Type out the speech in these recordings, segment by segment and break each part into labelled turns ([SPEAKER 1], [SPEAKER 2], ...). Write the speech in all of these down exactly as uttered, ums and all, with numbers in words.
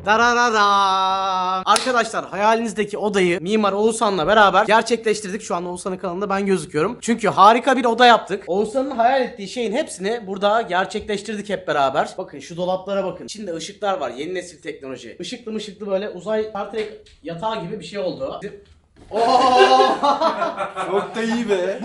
[SPEAKER 1] Dararara. Arkadaşlar hayalinizdeki odayı Mimar Oğuzhan'la beraber gerçekleştirdik. Şu an Oğuzhan'ın kanalında ben gözüküyorum. Çünkü harika bir oda yaptık. Oğuzhan'ın hayal ettiği şeyin hepsini burada gerçekleştirdik hep beraber. Bakın şu dolaplara bakın. İçinde ışıklar var. Yeni nesil teknoloji. Işıklı mışıklı böyle uzay Star Trek yatağı gibi bir şey oldu.
[SPEAKER 2] Çok da iyi be.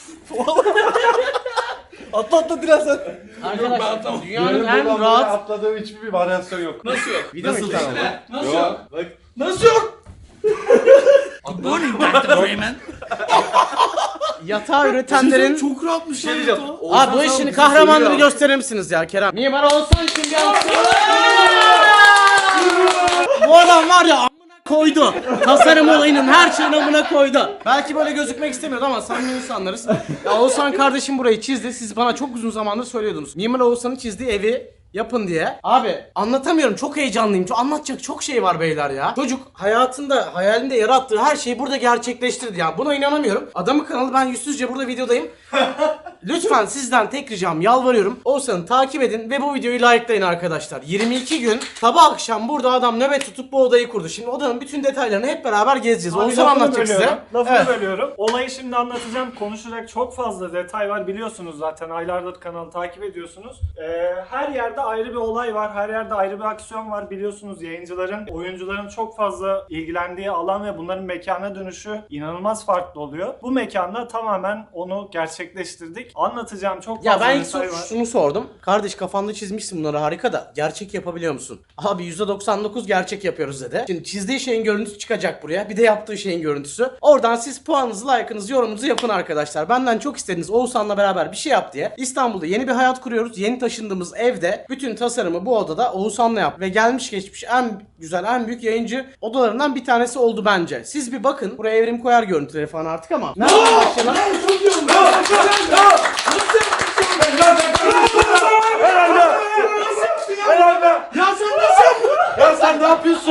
[SPEAKER 2] Atla atla biraz sen.
[SPEAKER 1] Arkadaşlar dünyanın en rahat
[SPEAKER 2] atladığım hiçbir bir varyasyon yok.
[SPEAKER 3] Nasıl yok?
[SPEAKER 1] video mu çekiyor?
[SPEAKER 3] Nasıl
[SPEAKER 2] Yok.
[SPEAKER 3] yok?
[SPEAKER 2] Bak.
[SPEAKER 3] Nasıl yok? Good morning Doctor Freeman.
[SPEAKER 1] Yatağı üretenlerin...
[SPEAKER 3] Çok rahatmış
[SPEAKER 2] Şey
[SPEAKER 3] lan
[SPEAKER 2] diyeceğim.
[SPEAKER 3] yatağı.
[SPEAKER 1] Abi bu işin kahramanını gösterir misiniz ya Kerem? Mimar Oğuzhan için bir alkış. Bu adam var ya amına koydu. Tasarım olayının her şeyini amına koydu. Belki böyle gözükmek istemiyordu ama samimi insanlarız. Ya Oğuzhan kardeşim burayı çizdi. Siz bana çok uzun zamandır söylüyordunuz. Mimar Oğuzhan'ın çizdiği evi yapın diye. Abi anlatamıyorum, çok heyecanlıyım. Çok anlatacak çok şey var beyler ya. Çocuk hayatında, hayalinde yarattığı her şeyi burada gerçekleştirdi ya. Buna inanamıyorum. Adamın kanalı, ben yüzsüzce burada videodayım. Lütfen sizden tek ricam, yalvarıyorum. Oğuzhan'ı takip edin ve bu videoyu likelayın arkadaşlar. yirmi iki gün sabah akşam burada adam nöbet tutup bu odayı kurdu. Şimdi odanın bütün detaylarını hep beraber gezeceğiz.
[SPEAKER 4] Abi
[SPEAKER 1] Oğuzhan
[SPEAKER 4] lafını
[SPEAKER 1] anlatacak size.
[SPEAKER 4] bölüyorum, Lafını
[SPEAKER 1] Evet.
[SPEAKER 4] bölüyorum. Olayı şimdi anlatacağım. Konuşacak çok fazla detay var. Biliyorsunuz zaten, aylardır kanalı takip ediyorsunuz. Ee, her yerde ayrı bir olay var. Her yerde ayrı bir aksiyon var. Biliyorsunuz yayıncıların, oyuncuların çok fazla ilgilendiği alan ve bunların mekana dönüşü inanılmaz farklı oluyor. Bu mekanda tamamen onu gerçekleştirdik. Anlatacağım çok
[SPEAKER 1] Ya
[SPEAKER 4] fazla
[SPEAKER 1] ben ilk
[SPEAKER 4] detay
[SPEAKER 1] so-
[SPEAKER 4] var.
[SPEAKER 1] şunu sordum. Kardeş kafanda çizmişsin bunları, harika da gerçek yapabiliyor musun? Abi yüzde doksan dokuz gerçek yapıyoruz dedi. Şimdi çizdiği şeyin görüntüsü çıkacak buraya. Bir de yaptığı şeyin görüntüsü. Oradan siz puanınızı, like'ınızı, yorumunuzu yapın arkadaşlar. Benden çok istediniz Oğuzhan'la beraber bir şey yap diye. İstanbul'da yeni bir hayat kuruyoruz. Yeni taşındığımız evde bütün tasarımı bu odada Oğuzhan'la yap. Ve gelmiş geçmiş en güzel, en büyük yayıncı odalarından bir tanesi oldu bence. Siz bir bakın. Buraya evrim koyar görüntüleri falan artık ama. Nereden başlayalım?
[SPEAKER 2] Ya sen nasıl yaptın? Ya sen ne yapıyorsun?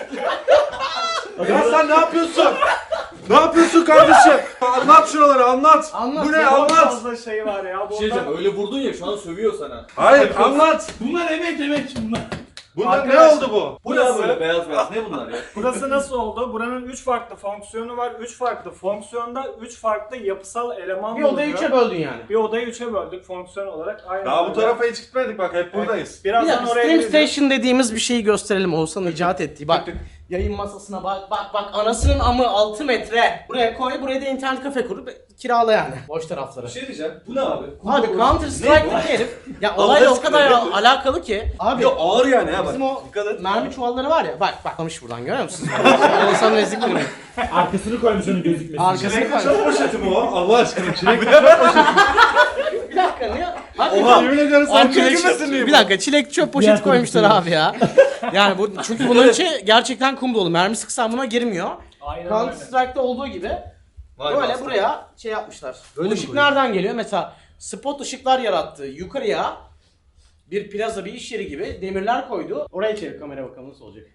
[SPEAKER 2] Ya sen ne yapıyorsun? Ne yapıyorsun kardeşim? Anlat şuraları, anlat.
[SPEAKER 1] Anlat
[SPEAKER 2] Bu ne,
[SPEAKER 1] ya,
[SPEAKER 4] Çok
[SPEAKER 2] anlat.
[SPEAKER 4] fazla şey var ya.
[SPEAKER 3] Bir şey diyeceğim, öyle vurdun ya, şu an sövüyor sana.
[SPEAKER 2] Hayır, anlat.
[SPEAKER 3] Bunlar emek emek bunlar.
[SPEAKER 2] Bunlar ne
[SPEAKER 4] Arkadaş-
[SPEAKER 2] oldu bu?
[SPEAKER 3] Bu ne böyle beyaz beyaz, ne bunlar ya?
[SPEAKER 4] Burası nasıl oldu? Buranın üç farklı fonksiyonu var. üç farklı fonksiyonda üç farklı yapısal eleman
[SPEAKER 1] Bir odayı
[SPEAKER 4] bulunuyor.
[SPEAKER 1] üçe böldün yani.
[SPEAKER 4] Bir odayı üçe böldük fonksiyon olarak. Aynen
[SPEAKER 2] Daha bu
[SPEAKER 4] öyle.
[SPEAKER 2] tarafa hiç gitmedik bak, hep buradayız.
[SPEAKER 1] Bir
[SPEAKER 4] Birazdan
[SPEAKER 1] dakika,
[SPEAKER 4] oraya
[SPEAKER 1] Stream
[SPEAKER 4] geleceğiz.
[SPEAKER 1] Station dediğimiz bir şeyi gösterelim. Oğuzhan icat ettiği. Bak yayın masasına bak bak bak, anasının amı altı metre. Buraya koy, buraya da internet kafe kurup kirala yani. Boş tarafları.
[SPEAKER 3] Bir şey diyeceğim, bu ne abi?
[SPEAKER 1] Abi Counter Strike'daki herif ya olayla o kadar al- alakalı ki. Abi
[SPEAKER 3] Ya ağır yani ha bak.
[SPEAKER 1] bizim o
[SPEAKER 3] Dikkat et.
[SPEAKER 1] mermi çuvalları var ya, bak bak kamış buradan, görüyor musunuz? Oğuzhan'ın eziklerini.
[SPEAKER 5] Arkasını koymuş onun gözükmesi.
[SPEAKER 1] Arkasını koy.
[SPEAKER 2] Çöp poşeti mi o? Allah aşkına çilek.
[SPEAKER 1] Bir dakika niye? Hadi
[SPEAKER 2] Oha, yemin ediyorum sen
[SPEAKER 1] Abi çilek,
[SPEAKER 2] çekilmesin diye
[SPEAKER 1] bir
[SPEAKER 2] bu.
[SPEAKER 1] dakika, çilek çöp poşeti
[SPEAKER 5] Diğer
[SPEAKER 1] koymuşlar
[SPEAKER 5] tarafı
[SPEAKER 1] abi ya. Yani bu, çünkü bunun içi gerçekten kum dolu. Mermi sıksan buna girmiyor.
[SPEAKER 4] Aynen
[SPEAKER 1] Counter
[SPEAKER 4] öyle.
[SPEAKER 1] Strike'da olduğu gibi
[SPEAKER 3] Vay
[SPEAKER 1] böyle
[SPEAKER 3] be.
[SPEAKER 1] buraya şey yapmışlar.
[SPEAKER 3] Böyle
[SPEAKER 1] Bu
[SPEAKER 3] mi
[SPEAKER 1] ışık
[SPEAKER 3] koyuyor?
[SPEAKER 1] nereden geliyor? Mesela spot ışıklar yarattı. Yukarıya bir plaza, bir iş yeri gibi demirler koydu. Oraya çevir kamera, bakalım nasıl olacak.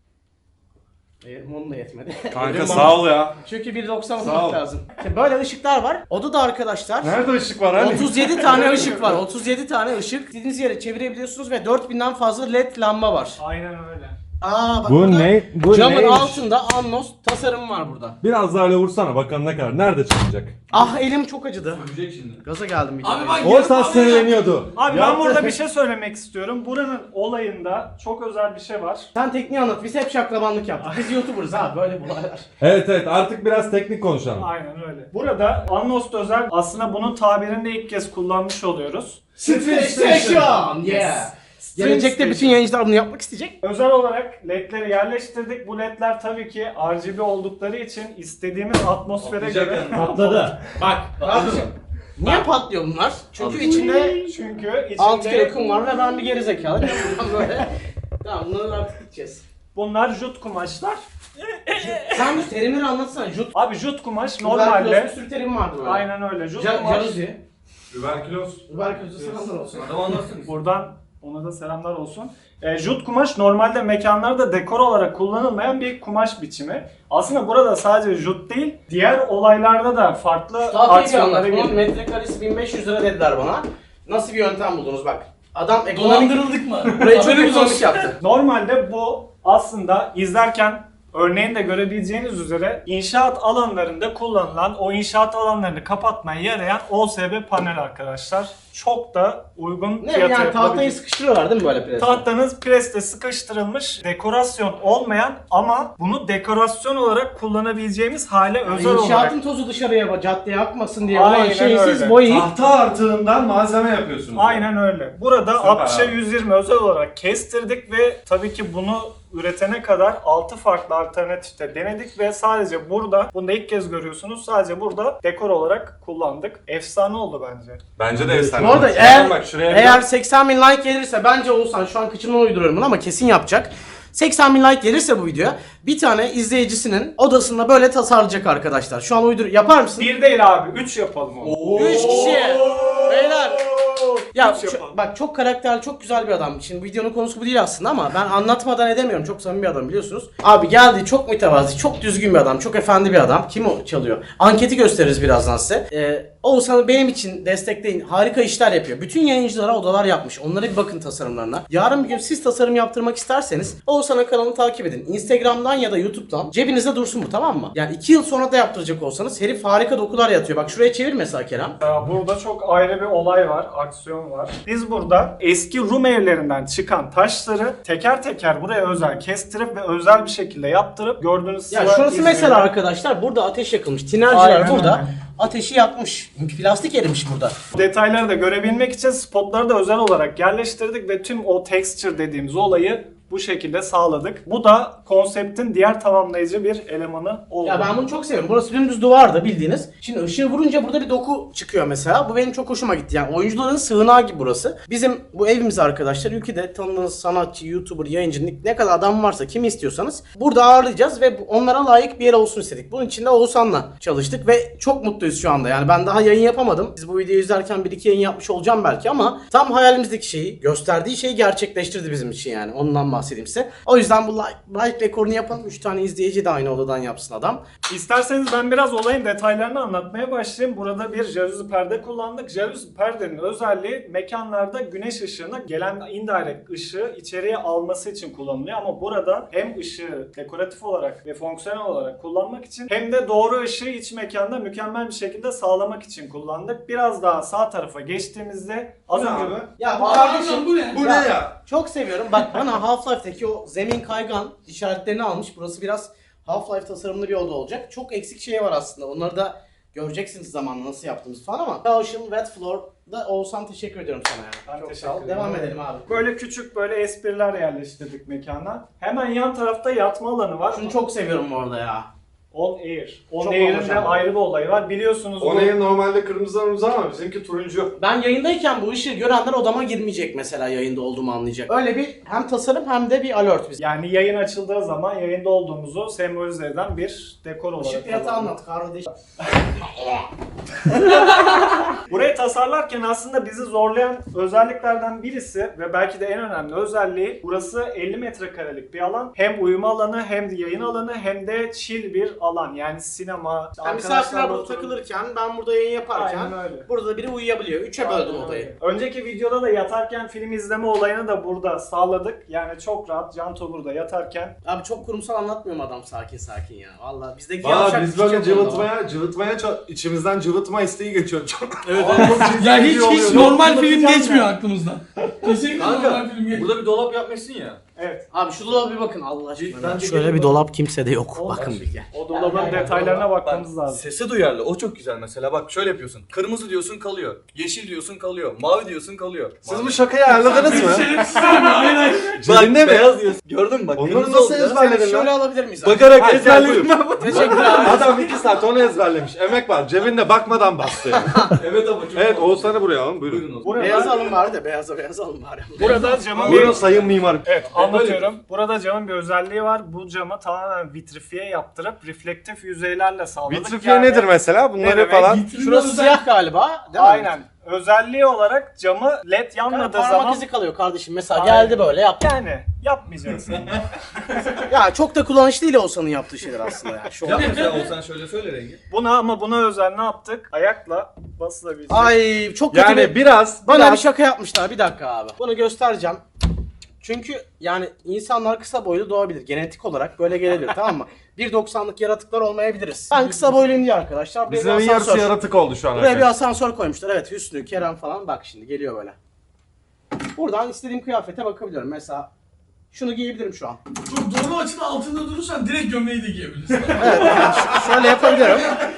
[SPEAKER 1] Hayır, onun da yetmedi.
[SPEAKER 2] Kanka sağ ol ya.
[SPEAKER 1] Çünkü bir doksan
[SPEAKER 2] Sağ
[SPEAKER 1] olmak
[SPEAKER 2] ol.
[SPEAKER 1] lazım. Şimdi böyle ışıklar var. Odada arkadaşlar
[SPEAKER 2] Nerede ışık var hani?
[SPEAKER 1] otuz yedi tane ışık var. otuz yedi tane ışık. İstediğiniz yere çevirebiliyorsunuz ve dört binden fazla led lamba var.
[SPEAKER 4] Aynen öyle.
[SPEAKER 1] Aa bak
[SPEAKER 5] Bu
[SPEAKER 1] burada
[SPEAKER 5] ne? Bu
[SPEAKER 1] camın
[SPEAKER 5] neymiş?
[SPEAKER 1] altında Annos tasarım var burada.
[SPEAKER 5] Biraz daha öyle vursana, bakalım ne kadar. Nerede çıkacak?
[SPEAKER 1] Ah elim çok acıdı.
[SPEAKER 3] Sövecek şimdi.
[SPEAKER 1] Gaza geldim bir
[SPEAKER 3] Abi
[SPEAKER 1] kere.
[SPEAKER 3] bak
[SPEAKER 5] Oğuzhan
[SPEAKER 3] yarım abi
[SPEAKER 5] sinirleniyordu.
[SPEAKER 4] Abi ben
[SPEAKER 5] Yaptı.
[SPEAKER 4] burada bir şey söylemek istiyorum. Buranın olayında çok özel bir şey var.
[SPEAKER 1] Sen tekniği anlat. Biz hep şaklabanlık yaptık. Biz YouTuber'ız abi, böyle bu olaylar.
[SPEAKER 5] Evet evet, artık biraz teknik konuşalım.
[SPEAKER 4] Aynen öyle. Burada Annost özel, aslında bunun tabirini de ilk kez kullanmış oluyoruz.
[SPEAKER 1] Station! Yeah! Gelecekte bütün yayıncılar bunu yapmak isteyecek.
[SPEAKER 4] Özel olarak ledleri yerleştirdik. Bu ledler tabii ki R G B oldukları için istediğimiz atmosfere
[SPEAKER 3] Patlayacak
[SPEAKER 4] göre
[SPEAKER 3] yani.
[SPEAKER 5] Patladı.
[SPEAKER 1] Bak kardeşim. Niye patlıyor bunlar? Çünkü içinde
[SPEAKER 4] çünkü
[SPEAKER 1] altı kere
[SPEAKER 4] içinde
[SPEAKER 1] kum var ve ben bir geri zekalı. Böyle. Tamam, bunları artık gideceğiz.
[SPEAKER 4] bunlar jut kumaşlar.
[SPEAKER 1] Sen bu terimleri anlatsana. Jut,
[SPEAKER 4] Abi jut kumaş
[SPEAKER 1] normalde bir
[SPEAKER 4] normalde
[SPEAKER 1] sürü terim vardı böyle.
[SPEAKER 4] aynen öyle. Jut
[SPEAKER 1] Ja-
[SPEAKER 4] kumaş.
[SPEAKER 1] Jaluzi.
[SPEAKER 2] Überkülos.
[SPEAKER 1] Überküzü selamlar olsun.
[SPEAKER 3] Adam anlatsın.
[SPEAKER 4] Buradan ona da selamlar olsun. E, jut kumaş normalde mekanlarda dekor olarak kullanılmayan bir kumaş biçimi. Aslında burada sadece jut değil, diğer olaylarda da farklı
[SPEAKER 1] Daha iyi bir
[SPEAKER 4] aksiyonlara
[SPEAKER 1] anlat. Bunun
[SPEAKER 4] geliyor.
[SPEAKER 1] metrekaresi bin beş yüz lira dediler bana. Nasıl bir yöntem buldunuz bak. Adam ekonomik...
[SPEAKER 3] Dolandırıldık mı?
[SPEAKER 1] Burayı çok ekonomik yaptı.
[SPEAKER 4] Normalde bu aslında izlerken örneğin de görebileceğiniz üzere inşaat alanlarında kullanılan, o inşaat alanlarını kapatmaya yarayan O S B panel arkadaşlar. Çok da uygun
[SPEAKER 1] Ne
[SPEAKER 4] fiyata
[SPEAKER 1] yani tahtayı
[SPEAKER 4] yapılabilecek.
[SPEAKER 1] sıkıştırıyorlar değil mi böyle preste?
[SPEAKER 4] Tahtanız preste sıkıştırılmış, dekorasyon olmayan ama bunu dekorasyon olarak kullanabileceğimiz hale
[SPEAKER 1] Yani
[SPEAKER 4] özel olarak.
[SPEAKER 1] İnşaatın tozu dışarıya caddeye akmasın diye
[SPEAKER 4] Aynen
[SPEAKER 1] olan şeyi siz
[SPEAKER 4] öyle.
[SPEAKER 1] boyayıp
[SPEAKER 2] Tahta artığından malzeme yapıyorsunuz.
[SPEAKER 4] Aynen öyle. Burada
[SPEAKER 2] Süper
[SPEAKER 4] altmışa
[SPEAKER 2] abi.
[SPEAKER 4] yüz yirmi özel olarak kestirdik ve tabii ki bunu üretene kadar altı farklı alternatifte denedik ve sadece burada, bunu da ilk kez görüyorsunuz, sadece burada dekor olarak kullandık. Efsane oldu bence.
[SPEAKER 2] Bence de efsane.
[SPEAKER 1] Bu arada
[SPEAKER 2] olmuş.
[SPEAKER 1] eğer,
[SPEAKER 2] Bak şuraya
[SPEAKER 1] eğer seksen bin like gelirse bence Oğuzhan şu an kıçımdan uyduruyorum bunu ama kesin yapacak. seksen bin like gelirse bu videoya bir tane izleyicisinin odasında böyle tasarlayacak arkadaşlar. Şu an uydur yapar mısın?
[SPEAKER 4] Bir değil abi, üç yapalım onu.
[SPEAKER 1] Üç kişi. Beyler. Ya
[SPEAKER 4] Üç
[SPEAKER 1] şu-
[SPEAKER 4] yapalım.
[SPEAKER 1] bak çok karakterli, çok güzel bir adam. Şimdi videonun konusu bu değil aslında ama ben anlatmadan edemiyorum. Çok samimi bir adam biliyorsunuz. Abi geldi, çok mütevazi, çok düzgün bir adam, çok efendi bir adam. Kim o çalıyor? Anketi gösteririz birazdan size. Ee, Oğuzhan'ı benim için destekleyin. Harika işler yapıyor. Bütün yayıncılara odalar yapmış. Onlara bir bakın tasarımlarına. Yarın bir gün siz tasarım yaptırmak isterseniz Oğuzhan'ın kanalını takip edin. Instagram'dan ya da YouTube'dan cebinizde dursun bu, tamam mı? Yani iki yıl sonra da yaptıracak olsanız herif harika dokular yatıyor. Bak şuraya çevir mesela Kerem.
[SPEAKER 4] Ya burada çok ayrı bir olay var, aksiyon var. Biz burada eski Rum evlerinden çıkan taşları teker teker buraya özel kestirip ve özel bir şekilde yaptırıp gördüğünüz
[SPEAKER 1] Ya
[SPEAKER 4] sıra
[SPEAKER 1] şurası
[SPEAKER 4] İzmir'de-
[SPEAKER 1] mesela arkadaşlar, burada ateş yakılmış. Tinerciler
[SPEAKER 4] Aynen
[SPEAKER 1] burada
[SPEAKER 4] öyle.
[SPEAKER 1] ateşi yakmış. Plastik erimiş burada.
[SPEAKER 4] Detayları da görebilmek için spotları da özel olarak yerleştirdik ve tüm o texture dediğimiz olayı bu şekilde sağladık. Bu da konseptin diğer tamamlayıcı bir elemanı oldu.
[SPEAKER 1] Ya ben bunu çok seviyorum. Burası dümdüz duvardı bildiğiniz. Şimdi ışığı vurunca burada bir doku çıkıyor mesela. Bu benim çok hoşuma gitti. Yani oyuncuların sığınağı gibi burası. Bizim bu evimiz arkadaşlar, ülkede tanıdığınız sanatçı, YouTuber, yayıncı ne kadar adam varsa, kimi istiyorsanız burada ağırlayacağız ve onlara layık bir yer olsun istedik. Bunun için de Oğuzhan'la çalıştık ve çok mutluyuz şu anda. Yani ben daha yayın yapamadım. Siz bu videoyu izlerken bir iki yayın yapmış olacağım belki ama tam hayalimizdeki şeyi, gösterdiği şeyi gerçekleştirdi bizim için yani. Ondan bahsedeyim size. O yüzden bu like, like rekorunu yapalım. üç tane izleyici de aynı odadan yapsın adam.
[SPEAKER 4] İsterseniz ben biraz olayın detaylarını anlatmaya başlayayım. Burada bir jaluzi perde kullandık. Jaluzi perdenin özelliği mekanlarda güneş ışığına gelen indirect ışığı içeriye alması için kullanılıyor. Ama burada hem ışığı dekoratif olarak ve fonksiyonel olarak kullanmak için hem de doğru ışığı iç mekanda mükemmel bir şekilde sağlamak için kullandık. Biraz daha sağ tarafa geçtiğimizde az
[SPEAKER 2] Bu ne
[SPEAKER 4] önce
[SPEAKER 2] abi?
[SPEAKER 1] Ya bu kardeşim
[SPEAKER 3] bu ne?
[SPEAKER 2] Bu ne ya?
[SPEAKER 1] çok seviyorum. Bak bana Half-Life'deki o zemin kaygan işaretlerini almış. Burası biraz Half-Life tasarımlı bir oda olacak. Çok eksik şey var aslında. Onları da göreceksiniz zamanla nasıl yaptığımız falan ama. Ocean Wet Floor'da Oğuzhan teşekkür ediyorum sana yani.
[SPEAKER 4] Ben
[SPEAKER 1] Çok
[SPEAKER 4] teşekkür
[SPEAKER 1] sağ ol.
[SPEAKER 4] ederim.
[SPEAKER 1] Devam edelim abi.
[SPEAKER 4] böyle küçük böyle espriler yerleştirdik mekana. Hemen yan tarafta yatma alanı var.
[SPEAKER 1] Şunu çok seviyorum bu arada ya.
[SPEAKER 4] On Air. On
[SPEAKER 1] Çok
[SPEAKER 4] Air'in
[SPEAKER 1] olmuş
[SPEAKER 4] de
[SPEAKER 1] ama.
[SPEAKER 4] ayrı bir olayı var. Biliyorsunuz
[SPEAKER 2] O
[SPEAKER 4] bu-
[SPEAKER 2] neyin normalde kırmızı kırmızı ama bizimki turuncu.
[SPEAKER 1] Ben yayındayken bu ışığı görenler odama girmeyecek mesela, yayında olduğumu anlayacak. Öyle bir hem tasarım hem de bir alert biz.
[SPEAKER 4] Yani yayın açıldığı zaman yayında olduğumuzu sembolize eden bir dekor olarak.
[SPEAKER 1] Işık fiyatı
[SPEAKER 4] kullandık.
[SPEAKER 1] anlat kardeş.
[SPEAKER 4] Burayı tasarlarken aslında bizi zorlayan özelliklerden birisi ve belki de en önemli özelliği, burası elli metrekarelik bir alan. Hem uyuma alanı hem de yayın alanı hem de chill bir alan. Yani sinema,
[SPEAKER 1] Yani misafirler burada
[SPEAKER 4] oturup-
[SPEAKER 1] takılırken, ben burada yayın yaparken
[SPEAKER 4] Aynen öyle.
[SPEAKER 1] burada biri uyuyabiliyor. Üçe böldüm
[SPEAKER 4] Aynen
[SPEAKER 1] odayı.
[SPEAKER 4] öyle. Önceki videoda da yatarken film izleme olayını da burada sağladık. Yani çok rahat Canto burada yatarken.
[SPEAKER 1] Abi çok kurumsal anlatmıyorum, adam sakin sakin ya. Vallahi bizdeki
[SPEAKER 2] Valla
[SPEAKER 1] yavşak
[SPEAKER 2] biz
[SPEAKER 1] küçük
[SPEAKER 2] böyle
[SPEAKER 1] yapımda var.
[SPEAKER 2] cıvıtmaya, cıvıtmaya, ça- içimizden cıvıtma isteği geçiyor çok.
[SPEAKER 3] Evet,
[SPEAKER 2] Çok
[SPEAKER 3] Ya hiç
[SPEAKER 2] ciddi oluyor.
[SPEAKER 3] hiç normal film
[SPEAKER 4] Bakacağım
[SPEAKER 3] geçmiyor
[SPEAKER 4] ya.
[SPEAKER 3] aklımızdan. Kesinlikle
[SPEAKER 6] Kanka
[SPEAKER 3] normal film geçmiyor.
[SPEAKER 6] burada bir dolap yapmışsın ya.
[SPEAKER 4] Evet.
[SPEAKER 1] Abi şu dolaba bir bakın Allah aşkına.
[SPEAKER 6] Ben
[SPEAKER 1] ya.
[SPEAKER 6] de
[SPEAKER 1] Şöyle
[SPEAKER 6] gelin
[SPEAKER 1] bir
[SPEAKER 6] bak.
[SPEAKER 1] dolap kimsede yok.
[SPEAKER 4] Olmaz.
[SPEAKER 1] Bakın bir gel.
[SPEAKER 4] O dolabın
[SPEAKER 1] Gel, gel, gel,
[SPEAKER 4] detaylarına
[SPEAKER 6] Bak,
[SPEAKER 4] bakmamız lazım.
[SPEAKER 6] sesi duyarlı. O çok güzel mesela. Bak şöyle yapıyorsun. Kırmızı diyorsun kalıyor. Yeşil diyorsun kalıyor. Mavi diyorsun kalıyor.
[SPEAKER 2] Siz
[SPEAKER 6] Mavi.
[SPEAKER 2] bu şakayı ayarladınız mı?
[SPEAKER 3] Şerefsiz abi, hayır hayır.
[SPEAKER 2] Cebinde mi?
[SPEAKER 6] Beyaz diyorsun. Gördün mü bak.
[SPEAKER 2] Onları
[SPEAKER 6] kırmızı
[SPEAKER 2] nasıl
[SPEAKER 6] oldu ya.
[SPEAKER 2] ezberledin
[SPEAKER 1] Şöyle
[SPEAKER 2] lan?
[SPEAKER 1] alabilir miyiz abi?
[SPEAKER 6] Bakarak
[SPEAKER 2] Hayır,
[SPEAKER 6] ezberledim
[SPEAKER 2] gel,
[SPEAKER 6] ben.
[SPEAKER 1] Teşekkürler.
[SPEAKER 2] Adam iki saat onu ezberlemiş. Emek var. Cebinde bakmadan bastı yani.
[SPEAKER 6] Evet ama çok
[SPEAKER 2] Evet Oğuzhan'ı buraya alın. Buyurun.
[SPEAKER 6] Buyurun o zaman.
[SPEAKER 4] Burada,
[SPEAKER 1] Beyaz alın bari de, beyaza beyaz alın bari.
[SPEAKER 4] burada camın
[SPEAKER 2] Buyurun
[SPEAKER 4] bir...
[SPEAKER 2] sayın mimarım.
[SPEAKER 4] Evet, anlatıyorum. Burada camın bir özelliği var. Bu camı tamamen vitrifiye yaptırıp reflektif yüzeylerle sağladık.
[SPEAKER 2] Vitrifiye
[SPEAKER 4] Yani-
[SPEAKER 2] nedir mesela? Bunları
[SPEAKER 4] demek?
[SPEAKER 2] falan.
[SPEAKER 1] Şurası siyah galiba, değil mi?
[SPEAKER 4] Aynen. Özelliği olarak camı led yanmadığı
[SPEAKER 1] Parmak
[SPEAKER 4] zaman
[SPEAKER 1] izi kalıyor kardeşim. Mesela
[SPEAKER 4] Aynen.
[SPEAKER 1] geldi böyle yaptı.
[SPEAKER 4] yani yapmayacaksın.
[SPEAKER 1] Ya çok da kullanışlı değil Oğuzhan'ın yaptığı şeyler aslında ya. Şu
[SPEAKER 6] Yap mesela olsan şöyle söyle rengi.
[SPEAKER 4] buna ama buna özel ne yaptık? Ayakla basılabilecek.
[SPEAKER 1] Ay çok kötü
[SPEAKER 2] Yani
[SPEAKER 1] bir...
[SPEAKER 2] biraz,
[SPEAKER 1] Bana
[SPEAKER 2] biraz
[SPEAKER 1] bir şaka yapmışlar, bir dakika abi. Bunu göstereceğim. Çünkü yani insanlar kısa boylu doğabilir. Genetik olarak böyle gelebilir tamam mı? bir doksanlık yaratıklar olmayabiliriz. Ben kısa boyluyum diye arkadaşlar. Buraya
[SPEAKER 2] Bizim
[SPEAKER 1] bir
[SPEAKER 2] yarısı
[SPEAKER 1] asansör.
[SPEAKER 2] yaratık oldu şu an.
[SPEAKER 1] Buraya bir
[SPEAKER 2] arkadaşlar.
[SPEAKER 1] asansör koymuşlar. Evet Hüsnü, Kerem falan bak şimdi geliyor böyle. Buradan istediğim kıyafete bakabiliyorum. Mesela şunu giyebilirim şu an.
[SPEAKER 3] Çok doğru açıda altında durursan direkt gömleği de giyebilirsin.
[SPEAKER 1] Evet yani ş- şöyle yapabilirim.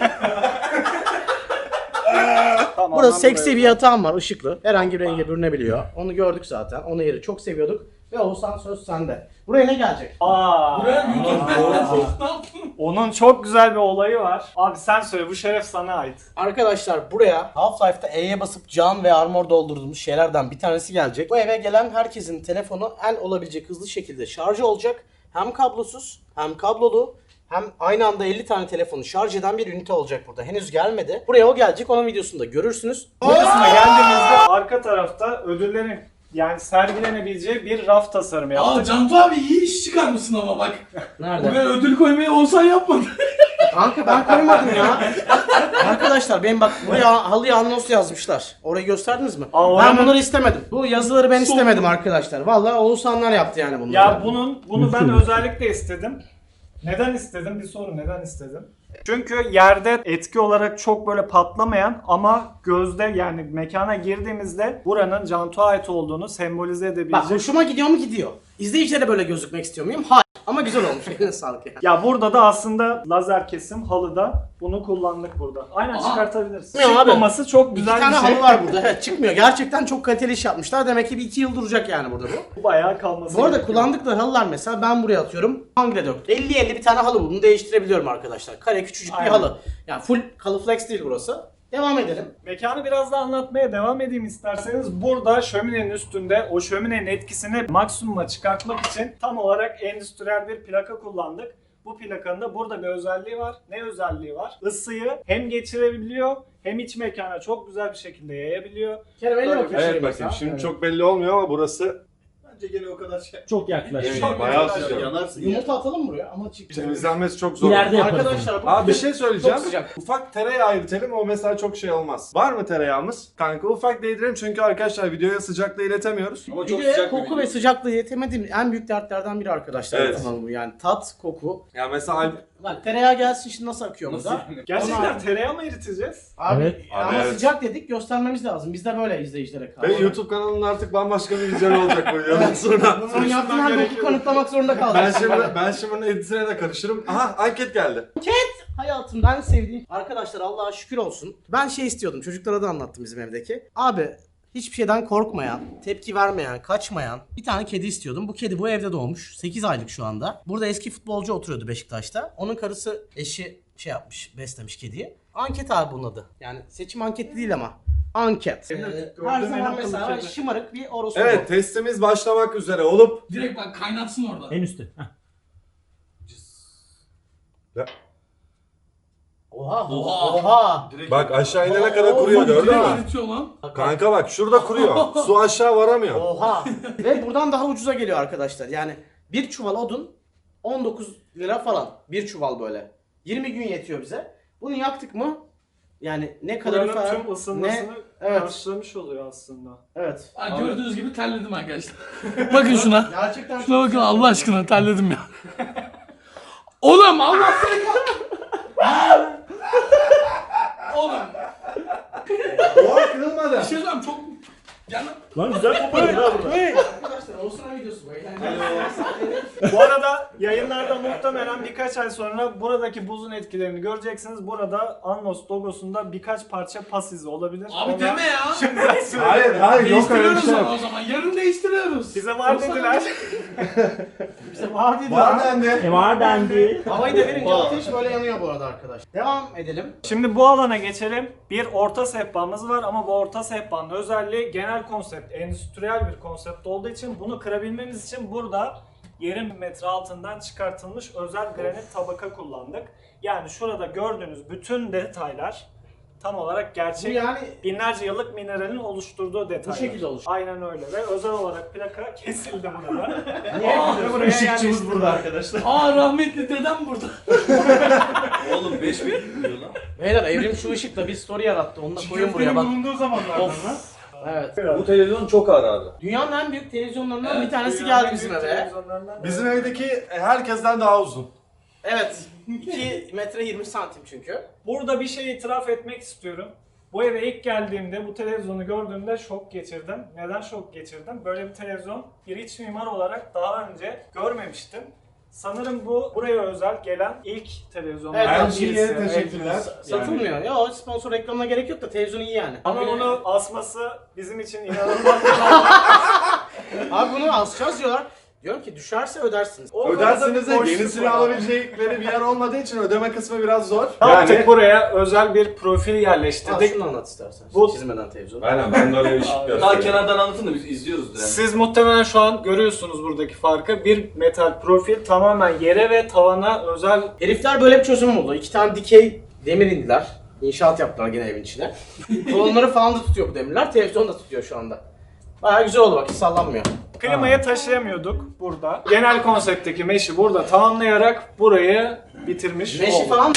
[SPEAKER 4] Tamam,
[SPEAKER 1] Burada
[SPEAKER 4] ben
[SPEAKER 1] seksi
[SPEAKER 4] buraya-
[SPEAKER 1] bir yatağım var ışıklı. Herhangi bir renge bürünebiliyor. Onu gördük zaten. Onu yeri çok seviyorduk. Ve Oğuzhan söz sende. Buraya ne gelecek?
[SPEAKER 4] Aa,
[SPEAKER 3] Buraya YouTube'da ne yaptın?
[SPEAKER 4] onun çok güzel bir olayı var. Abi sen söyle, bu şeref sana ait.
[SPEAKER 1] Arkadaşlar buraya Half-Life'da E'ye basıp can ve armor doldurduğumuz şeylerden bir tanesi gelecek. Bu eve gelen herkesin telefonu en olabilecek hızlı şekilde şarjı olacak. Hem kablosuz hem kablolu hem aynı anda elli tane telefonu şarj eden bir ünite olacak burada. Henüz gelmedi. Buraya o gelecek. Onun videosunu da görürsünüz.
[SPEAKER 4] Bu kısma geldiğimizde arka tarafta ödüllerin yani sergilenebileceği bir raf tasarımı yaptık.
[SPEAKER 3] Aa Cantu abi iyi iş çıkarmışsın ama bak.
[SPEAKER 1] Nerede?
[SPEAKER 3] Buraya ödül koymayı olsan yapmadın.
[SPEAKER 1] Kanka ben koymadım ya. Arkadaşlar benim bak buraya halıya anons yazmışlar. Orayı gösterdiniz mi?
[SPEAKER 4] Aa,
[SPEAKER 1] ben
[SPEAKER 4] oranın-
[SPEAKER 1] bunları istemedim. Bu yazıları ben istemedim arkadaşlar. Vallahi Oğuzhanlar yaptı yani bunları.
[SPEAKER 4] Ya bunun bunu ben özellikle istedim. Neden istedim? Bir soru, neden istedim? Çünkü yerde etki olarak çok böyle patlamayan ama gözde yani mekana girdiğimizde buranın Cantu'a ait olduğunu sembolize
[SPEAKER 1] Bak
[SPEAKER 4] edebilecek.
[SPEAKER 1] hoşuma gidiyor mu gidiyor. İzleyicilere böyle gözükmek istiyor muyum? Hayır. Ama güzel olmuş. Eline sağlık yani.
[SPEAKER 4] Ya burada da aslında lazer kesim halıda bunu kullandık burada. Aynen
[SPEAKER 3] Aa.
[SPEAKER 4] çıkartabiliriz.
[SPEAKER 1] Ya abi,
[SPEAKER 4] Çıkmaması çok
[SPEAKER 1] İki
[SPEAKER 4] güzel
[SPEAKER 1] tane
[SPEAKER 4] bir şey.
[SPEAKER 1] halı var burada. Evet çıkmıyor. Gerçekten çok kaliteli iş yapmışlar. Demek ki bir iki yıl duracak yani burada bu.
[SPEAKER 4] Bu bayağı kalması
[SPEAKER 1] Bu arada
[SPEAKER 4] gerekiyor.
[SPEAKER 1] kullandıkları halılar mesela ben buraya atıyorum. Hangre dört. elli elli bir tane halı buldum. Değiştirebiliyorum arkadaşlar. Kare küçücük
[SPEAKER 4] Aynen.
[SPEAKER 1] bir halı. Yani full Calıflex değil burası. Devam edelim.
[SPEAKER 4] Mekanı biraz daha anlatmaya devam edeyim isterseniz. Burada şöminenin üstünde o şöminenin etkisini maksimuma çıkartmak için tam olarak endüstriyel bir plaka kullandık. Bu plakanın da burada bir özelliği var. Ne özelliği var? Isıyı hem geçirebiliyor hem iç mekana çok güzel bir şekilde yayabiliyor.
[SPEAKER 1] Kerem elle
[SPEAKER 4] Böyle
[SPEAKER 1] bakayım.
[SPEAKER 2] Evet
[SPEAKER 1] şöyle
[SPEAKER 2] bakayım
[SPEAKER 1] mesela.
[SPEAKER 2] şimdi
[SPEAKER 1] Evet.
[SPEAKER 2] çok belli olmuyor ama burası
[SPEAKER 6] Bence gene o kadar şey.
[SPEAKER 5] Çok yaklaşık.
[SPEAKER 2] Evet,
[SPEAKER 4] Çok
[SPEAKER 2] bayağı
[SPEAKER 4] güzel.
[SPEAKER 2] sıcak.
[SPEAKER 6] Yanarsın ya.
[SPEAKER 1] Yumurta atalım buraya ama çık.
[SPEAKER 2] Temizlenmesi çok zor.
[SPEAKER 5] İleride yaparız.
[SPEAKER 1] Arkadaşlar bu
[SPEAKER 2] Abi bir şey söyleyeceğim.
[SPEAKER 1] Çok sıcak.
[SPEAKER 2] Ufak tereyağı ayırtalım o mesela çok şey olmaz. Var mı tereyağımız? Kanka ufak değdirelim çünkü arkadaşlar videoya sıcaklığı iletemiyoruz.
[SPEAKER 6] Ama çok
[SPEAKER 1] Bir de
[SPEAKER 6] sıcak bir
[SPEAKER 1] koku
[SPEAKER 6] video.
[SPEAKER 1] ve sıcaklığı yetemediğim en büyük dertlerden biri arkadaşlar.
[SPEAKER 2] Evet.
[SPEAKER 1] Tamam bu yani tat, koku.
[SPEAKER 2] Ya mesela
[SPEAKER 1] Bak tereyağı gelsin şimdi nasıl akıyor
[SPEAKER 6] Nasıl
[SPEAKER 1] burada?
[SPEAKER 6] yani?
[SPEAKER 4] Gerçekten
[SPEAKER 1] Ama-
[SPEAKER 4] tereyağı mı eriteceğiz?
[SPEAKER 1] Abi
[SPEAKER 5] Evet.
[SPEAKER 1] ama
[SPEAKER 2] Abi, evet.
[SPEAKER 1] sıcak dedik göstermemiz lazım. Biz de böyle izleyicilere kaldı.
[SPEAKER 2] Ve YouTube kanalının artık bambaşka bir vizyonu olacak bu videodan sonra.
[SPEAKER 1] Bunu yaptığın her boku kanıtlamak zorunda kaldık.
[SPEAKER 2] Ben şimdi ben şimdi bunun editine de karışırım. Aha anket geldi.
[SPEAKER 1] Hayatımda en sevdiğim arkadaşlar Allah'a şükür olsun. Ben şey istiyordum çocuklara da anlattım bizim evdeki. Abi hiçbir şeyden korkmayan, tepki vermeyen, kaçmayan bir tane kedi istiyordum. Bu kedi bu evde doğmuş. sekiz aylık şu anda. Burada eski futbolcu oturuyordu Beşiktaş'ta. Onun karısı eşi şey yapmış, beslemiş kediyi. Anket abi bunun adı. Yani seçim anketi değil ama. Anket. Ee,
[SPEAKER 4] gördüğüm
[SPEAKER 1] her
[SPEAKER 4] en
[SPEAKER 1] zaman
[SPEAKER 4] akıllı
[SPEAKER 1] mesela
[SPEAKER 4] kedi.
[SPEAKER 1] şımarık bir orospu.
[SPEAKER 2] Evet testimiz başlamak üzere olup
[SPEAKER 3] Direkt bak kaynatsın orada.
[SPEAKER 5] En üstte. Heh.
[SPEAKER 1] Oha,
[SPEAKER 3] Oha.
[SPEAKER 1] oha.
[SPEAKER 2] bak aşağı inene kadar kuruyor gördün
[SPEAKER 3] Direkt
[SPEAKER 2] mü?
[SPEAKER 3] eritiyor lan.
[SPEAKER 2] Kanka bak şurada kuruyor. Su aşağı varamıyor.
[SPEAKER 1] Oha. Ve buradan daha ucuza geliyor arkadaşlar. Yani bir çuval odun on dokuz lira falan. Bir çuval böyle. yirmi gün yetiyor bize. Bunu yaktık mı? Yani ne kalorifer,
[SPEAKER 4] Buranın tüm
[SPEAKER 1] ne...
[SPEAKER 4] ısınmasını
[SPEAKER 1] Evet.
[SPEAKER 4] karşılamış oluyor aslında.
[SPEAKER 1] Evet.
[SPEAKER 3] Ha, gördüğünüz gibi terledim arkadaşlar. Bakın şuna.
[SPEAKER 1] Gerçekten
[SPEAKER 3] Şuna bakın Allah aşkına terledim ya. Oğlum Allah seni Oğlum
[SPEAKER 2] Oha kırılmadı.
[SPEAKER 3] bir şey söyleyeyim çok... Gel lan.
[SPEAKER 5] Lan güzel koparın ha burada.
[SPEAKER 1] Arkadaşlar Oğuzhan'a videosu bu. Eğlenceli.
[SPEAKER 4] Bu arada yayınlarda muhtemelen birkaç ay sonra buradaki buzun etkilerini göreceksiniz. Burada Annos logosunda birkaç parça pas izi olabilir.
[SPEAKER 3] Abi
[SPEAKER 4] Ona
[SPEAKER 3] deme ya.
[SPEAKER 4] şimdiden söyleyeyim.
[SPEAKER 2] Hayır hayır yok öyle bir
[SPEAKER 3] Değiştiriyoruz
[SPEAKER 2] şey
[SPEAKER 3] onu
[SPEAKER 2] yok.
[SPEAKER 3] o zaman. Yarın değiştiriyoruz.
[SPEAKER 4] Bize var dediler.
[SPEAKER 1] Bize var dedi.
[SPEAKER 2] Var dendi.
[SPEAKER 5] E var dendi.
[SPEAKER 1] Havayı da verince ateş böyle yanıyor bu arada arkadaş. Devam edelim.
[SPEAKER 4] Şimdi bu alana geçelim. Bir orta sehpamız var ama bu orta sehpanın özelliği genel konsept, endüstriyel bir konsept olduğu için bunu kırabilmemiz için burada yerin metre altından çıkartılmış özel granit tabaka kullandık. Yani şurada gördüğünüz bütün detaylar tam olarak
[SPEAKER 1] Bu
[SPEAKER 4] gerçek
[SPEAKER 1] yani
[SPEAKER 4] binlerce yıllık mineralin oluşturduğu detaylar.
[SPEAKER 1] şekilde oluştu.
[SPEAKER 4] Aynen öyle ve özel olarak plaka kesildi burada.
[SPEAKER 3] Aa,
[SPEAKER 4] Ve buraya yerleştirildi.
[SPEAKER 5] arkadaşlar.
[SPEAKER 3] Aa rahmetli dedem burada.
[SPEAKER 6] Oğlum beş bin diyor lan.
[SPEAKER 1] beyler evrim şu ışıkla bir story yarattı. Onu da koyun buraya bak.
[SPEAKER 4] bulunduğu zamanlardan
[SPEAKER 1] Of.
[SPEAKER 4] lan.
[SPEAKER 1] Evet.
[SPEAKER 6] Bu televizyon çok ağır abi.
[SPEAKER 1] Dünyanın en büyük televizyonlarından bir tanesi geldi bizim eve.
[SPEAKER 2] Bizim evdeki herkesten daha uzun.
[SPEAKER 1] Evet. iki metre yirmi santim çünkü.
[SPEAKER 4] Burada bir şey itiraf etmek istiyorum. Bu eve ilk geldiğimde, bu televizyonu gördüğümde şok geçirdim. Neden şok geçirdim? Böyle bir televizyon bir iç mimar olarak daha önce görmemiştim. Sanırım bu buraya özel gelen ilk televizyonlardan
[SPEAKER 1] Evet,
[SPEAKER 4] birisi.
[SPEAKER 2] L G'ye teşekkürler.
[SPEAKER 4] Evet.
[SPEAKER 1] Satılmıyor. Ya o sponsor reklamına gerek yok da televizyon iyi yani.
[SPEAKER 4] Ama
[SPEAKER 1] Abi,
[SPEAKER 4] onu asması bizim için inanılmaz bir
[SPEAKER 1] Abi bunu asacağız diyorlar. Diyorum ki düşerse ödersiniz. O
[SPEAKER 2] Öderseniz de
[SPEAKER 4] boşluk
[SPEAKER 2] yenisini
[SPEAKER 4] var.
[SPEAKER 2] alabilecekleri bir yer olmadığı için ödeme kısmı biraz zor.
[SPEAKER 4] Ne yaptık buraya özel bir profil
[SPEAKER 1] Al
[SPEAKER 4] yerleştirdik.
[SPEAKER 1] şunu anlat istersen.
[SPEAKER 4] Bu-
[SPEAKER 1] Çizmeden televizyonu.
[SPEAKER 2] Aynen ben de öyle bir şey
[SPEAKER 6] Daha kenardan anlatın da biz izliyoruz yani.
[SPEAKER 4] Siz muhtemelen şu an görüyorsunuz buradaki farkı. Bir metal profil tamamen yere ve tavana özel.
[SPEAKER 1] Herifler böyle bir çözüm buldu. İki tane dikey demir indiler. İnşaat yaptılar gene evin içine. Kolonları falan da tutuyor bu demirler. Televizyon da tutuyor şu anda. Bayağı güzel oldu bak, hiç sallanmıyor.
[SPEAKER 4] Klimayı taşıyamıyorduk burada. Genel konseptteki meşi burada tamamlayarak burayı bitirmiş
[SPEAKER 1] Meşi
[SPEAKER 4] olduk.
[SPEAKER 1] falan...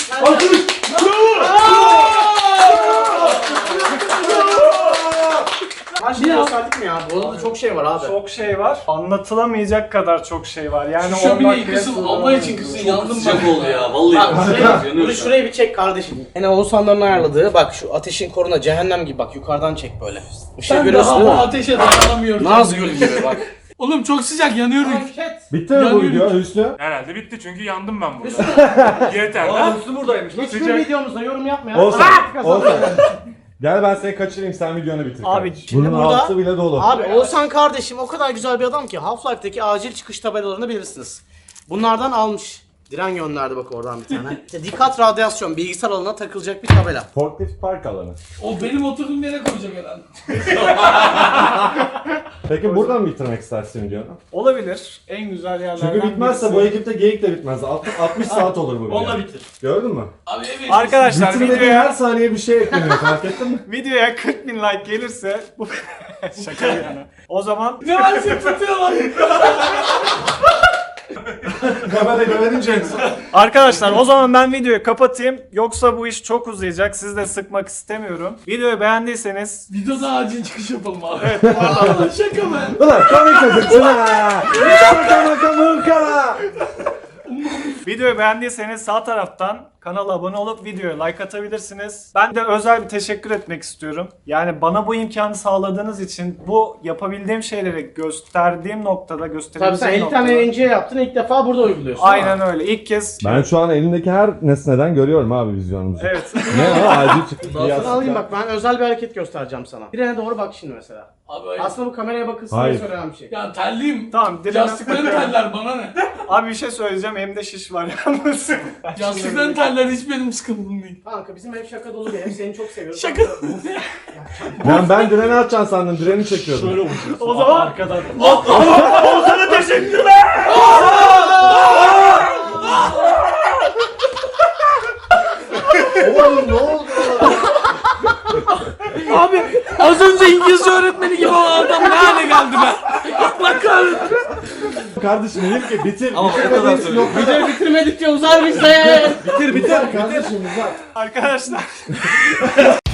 [SPEAKER 1] Her şeyi gösterdik mi ya? Bu arada çok şey var abi.
[SPEAKER 4] Çok şey var. Anlatılamayacak kadar çok şey var. Yani
[SPEAKER 3] Şu
[SPEAKER 4] on
[SPEAKER 3] bile
[SPEAKER 4] dakikaya
[SPEAKER 3] kısım
[SPEAKER 4] sığdıramadım.
[SPEAKER 3] Allah için kısım yandım
[SPEAKER 6] Sıcak
[SPEAKER 3] ben.
[SPEAKER 6] oldu ya vallahi.
[SPEAKER 1] Bak şuraya, bunu
[SPEAKER 6] Yanıyoruz.
[SPEAKER 1] şuraya bir çek kardeşim. Yine Oğuzhanların ayarladığı bak şu ateşin koruna cehennem gibi bak yukarıdan çek böyle. Işığı
[SPEAKER 3] Ben
[SPEAKER 1] görüyorsun
[SPEAKER 3] daha
[SPEAKER 1] değil
[SPEAKER 3] bu
[SPEAKER 1] mi?
[SPEAKER 3] ateşe dayanamıyorum.
[SPEAKER 1] Nazgül gibi bak.
[SPEAKER 3] Oğlum çok sıcak yanıyorum.
[SPEAKER 1] Hareket.
[SPEAKER 2] Bitti mi bu
[SPEAKER 3] Yanıyorum.
[SPEAKER 2] video Hüsnü?
[SPEAKER 7] Herhalde bitti çünkü yandım ben burada.
[SPEAKER 1] Üstüne
[SPEAKER 7] Yeter
[SPEAKER 6] Aa
[SPEAKER 7] lan.
[SPEAKER 6] Hüsnü buradaymış.
[SPEAKER 1] hiçbir
[SPEAKER 7] Sıcak.
[SPEAKER 1] videomuzda yorum yapma ya.
[SPEAKER 2] Olsun.
[SPEAKER 1] Bak!
[SPEAKER 2] Olsun. Gel ben seni kaçırayım, sen videonu bitir.
[SPEAKER 4] Abi,
[SPEAKER 2] kardeşim.
[SPEAKER 1] şimdi
[SPEAKER 2] Bunun
[SPEAKER 1] burada-
[SPEAKER 2] altı bile dolu.
[SPEAKER 1] Abi Oğuzhan kardeşim o kadar güzel bir adam ki Half-Life'deki acil çıkış tabelalarını bilirsiniz. Bunlardan almış. Diren gönderdi bak oradan bir tane. İşte dikkat radyasyon bilgisayar alanına takılacak bir tabela.
[SPEAKER 2] Forklift park alanı.
[SPEAKER 3] O benim oturduğum yere koyacağım herhalde.
[SPEAKER 2] Peki buradan mı bitirmek istersin videonu?
[SPEAKER 4] olabilir. En güzel yerlerden
[SPEAKER 2] Çünkü bitmezse
[SPEAKER 4] birisi.
[SPEAKER 2] bu ekipte geyik de bitmez. altmış altmış saat olur bu video.
[SPEAKER 1] Onunla bitir.
[SPEAKER 2] Gördün mü?
[SPEAKER 3] Abi evet.
[SPEAKER 4] Arkadaşlar
[SPEAKER 2] Bitirmediğin
[SPEAKER 4] videoya,
[SPEAKER 2] her saniye bir şey ekleniyor, fark ettin mi?
[SPEAKER 4] videoya kırk bin like gelirse bu şaka bir yana. O zaman
[SPEAKER 3] Ne var sen tutuyorlar.
[SPEAKER 2] Kamera güvenince en son.
[SPEAKER 4] arkadaşlar o zaman ben videoyu kapatayım. Yoksa bu iş çok uzayacak. Sizi de sıkmak istemiyorum. Videoyu beğendiyseniz
[SPEAKER 3] Videoda acil çıkış yapalım abi. Evet. Vallahi şaka be.
[SPEAKER 2] Ulan komik çocuksun ha! Şaka maka mırka!
[SPEAKER 4] Videoyu beğendiyseniz sağ taraftan kanala abone olup videoya like atabilirsiniz. Ben de özel bir teşekkür etmek istiyorum. Yani bana bu imkanı sağladığınız için bu yapabildiğim şeyleri gösterdiğim noktada
[SPEAKER 1] Tabii sen
[SPEAKER 4] gösterebileceğim
[SPEAKER 1] elli
[SPEAKER 4] noktada.
[SPEAKER 1] tane yayıncıya yaptın ilk defa burada uyguluyorsun.
[SPEAKER 4] Aynen öyle. İlk kez
[SPEAKER 2] Ben şu an elindeki her nesneden görüyorum abi vizyonumuzu.
[SPEAKER 4] evet.
[SPEAKER 2] Ne o acil çıktı.
[SPEAKER 1] Sana alayım bak, ben özel bir hareket göstereceğim sana. Direne doğru bak şimdi mesela.
[SPEAKER 3] Abi hayır.
[SPEAKER 1] Aslında bu kameraya bakılsın diye
[SPEAKER 2] Hayır.
[SPEAKER 1] söylenen bir şey.
[SPEAKER 3] Ya terliyim.
[SPEAKER 4] Tamam, direne-
[SPEAKER 3] Yastıkların terler bana ne?
[SPEAKER 4] Abi bir şey söyleyeceğim. Elimde şiş var yalnız.
[SPEAKER 3] Yastıkların terler hiç benim sıkıntım değil.
[SPEAKER 1] Kanka bizim ev şaka dolu bir ev, seni çok seviyoruz.
[SPEAKER 3] Şaka.
[SPEAKER 2] Ben, ben direni atacaksın sandım, direni çekiyordum.
[SPEAKER 4] O zaman arkadan.
[SPEAKER 2] Oğlum ne oldu?
[SPEAKER 3] Abi az önce İngilizce öğretmeni gibi olan adam ne hale geldi be? Allah kahretsin.
[SPEAKER 2] Kardeşim dedim ki bitir.
[SPEAKER 6] Ama o kadar söylüyorum.
[SPEAKER 1] Videoyu bitirmedikçe uzar bize.
[SPEAKER 2] Bitir bitir. Kardeşim uzat.
[SPEAKER 4] Arkadaşlar